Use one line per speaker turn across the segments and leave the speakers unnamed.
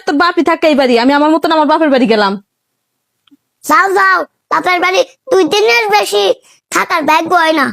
তোর বাপই থাকে এই বাড়ি, আমি আমার মতন আমার বাপের বাড়ি গেলাম।
যাও যাও, বাপের বাড়ি 2 দিনের বেশি থাকার ভাগ্য হয় না।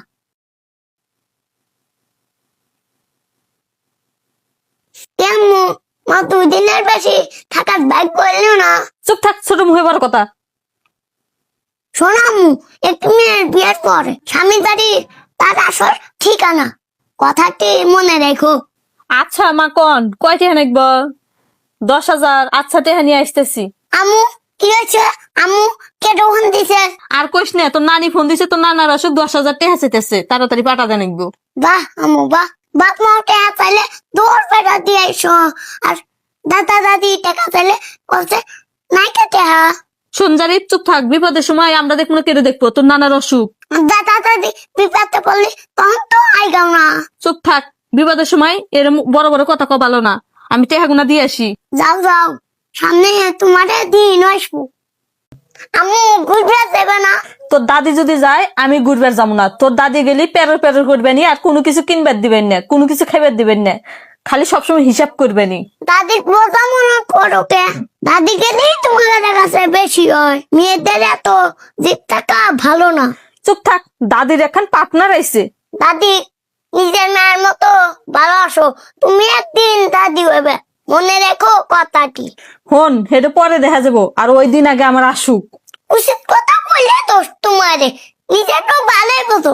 কেমন মা 2 দিনের বেশি থাকার ভাগ্য হইল না?
চুপ থাক, ছোট মুখে বড় কথা।
শোনামু, 1 মিনিট বিয়ের পর স্বামী বাড়ির তার আসল ঠিকানা কথাটি মনে রেখো।
আচ্ছা মা কন কয় টেহা নাকব? 10,000। আচ্ছা টেহা নিয়ে আসতেছি।
আমু কি হয়েছে? আমু কে তখন দিছে?
আর কইস না, তোর নানি ফোন দিছে, তোর নানার অসুখ, 10,000 টেহা চাইতেছে, তাড়াতাড়ি পাঠা দেন নাকবো।
বাহ আমু বাহ, বাপ মা টাকা চাইলে দৌড় পেটা দিয়ে আইসো, আর দাদা দাদি টাকা চাইলে বলছে নাই কে টাকা।
শুনজারি চুপ থাক, বিপদের সময় আমরা দেখবো না, কেটে দেখবো, তোর নানার অসুখ।
দাদা দাদি বিপদে পড়লে তখন তো আইগাও না।
চুপ থাক, বিপদের সময় এরম বড় বড় কথা কও ভালো না। আমি টেহা গুনা দিয়ে আসি।
যাও যাও, সামনে তোমারে দিন আসবো। আমু ঘুরবে দেবে না?
তোর দাদি যদি যায় আমি ঘুরবার যাবো না। তোর দাদি গেলি পেরর পেরর করবেনি, আর কোনো কিছু কিনবার দিবেন না, কোনো কিছু খাইবার দিবেন না, খালি সবসময় হিসাব করবেনি।
দাদির বোঝা মনে করো কে? দাদি গেলেই তোমাদের কাছে বেশি হয়, মেয়েদের এত জিত থাকা ভালো না।
চুপ থাক, দাদির এখন পার্টনার আইছে।
দাদি নিজের মায়ের মতো ভালোবাসো, তুমি একদিন দাদি হবে, মনে রেখো কথাটি।
হন হেটে পরে দেখা যাবো, আর ওই দিন আগে আমার আসুক।
উচিত কথা বললে দোষ তোমারে, নিজের তো ভালোই বোঝো।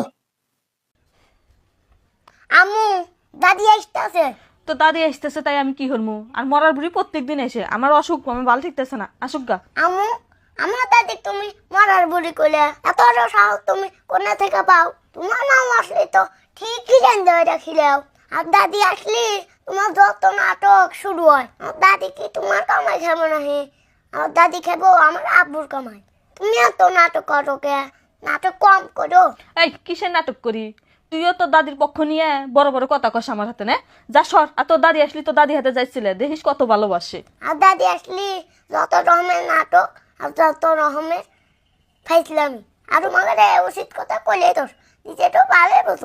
আমু দাদি আসতেছে।
তো দাদি আসতেছে তাই আমি কি করবো? আর মরার বুড়ি প্রত্যেকদিন এসে আমার অসুখ, আমার ভালো ঠিকতেছে না, আসুক গা।
আমু আমার দাদি তুমি মরার বুড়ি কইলে এত সাহস তুমি কোথা থেকে পাও? তোমার মা আসলে তো ঠিকই জানতে রাখিলেও, আর দাদি আসলে তোমার যত নাটক শুরু হয়। আর দাদি কি তোমার কামাই খাবো নাহি? আর দাদি খাবো আমার আব্বুর কামাই। তুমি এত নাটক করো কে? নাটক কম করো।
এই কিসের নাটক করি? তুইও তোর দাদির পক্ষ নিয়ে বড় বড় কথা কস আমার হাতে, না যা সর। আর তোর দাদি আসলি তোর দাদি হাতে যাইছিলে, দেখিস কত ভালোবাসে।
আর দাদি আসলে যত রকমের নাটক আর যত রকমের ফাইসলামি, আর তোমাকে উচিত কথা কইলে তো নিজে তো ভালো বোঝো।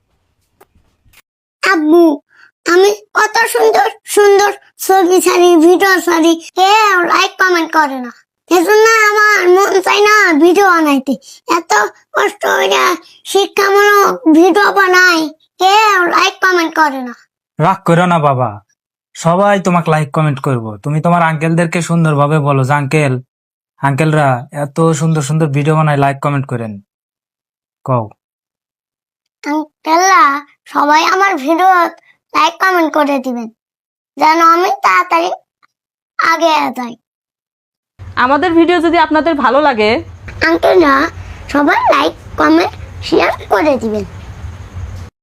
আব্বু আমি কত সুন্দর সুন্দর ছবি ছাড়ি, ভিডিও ছাড়ি, কেউ লাইক কমেন্ট করে না। এজন্য আমার মন চাই না ভিডিও বানাইতে। এত কষ্ট হইয়া শিক্ষামূলক ভিডিও বানাই, কেউ লাইক কমেন্ট করে না।
রাগ করো না বাবা, সবাই তোমাকে লাইক কমেন্ট করবো। তুমি তোমার আঙ্কেলদেরকে সুন্দরভাবে বলো যে আঙ্কেলরা এত সুন্দর সুন্দর ভিডিও বানায়, লাইক কমেন্ট করেন। কও
আঙ্কেলরা সবাই আমার ভিডিও লাইক কমেন্ট করে দিবেন, যেন আমি তাড়াতাড়ি আগে যাই।
আমাদের ভিডিও যদি আপনাদের ভালো লাগে,
আঙ্কেলরা সবাই লাইক কমেন্ট শেয়ার করে দিবেন।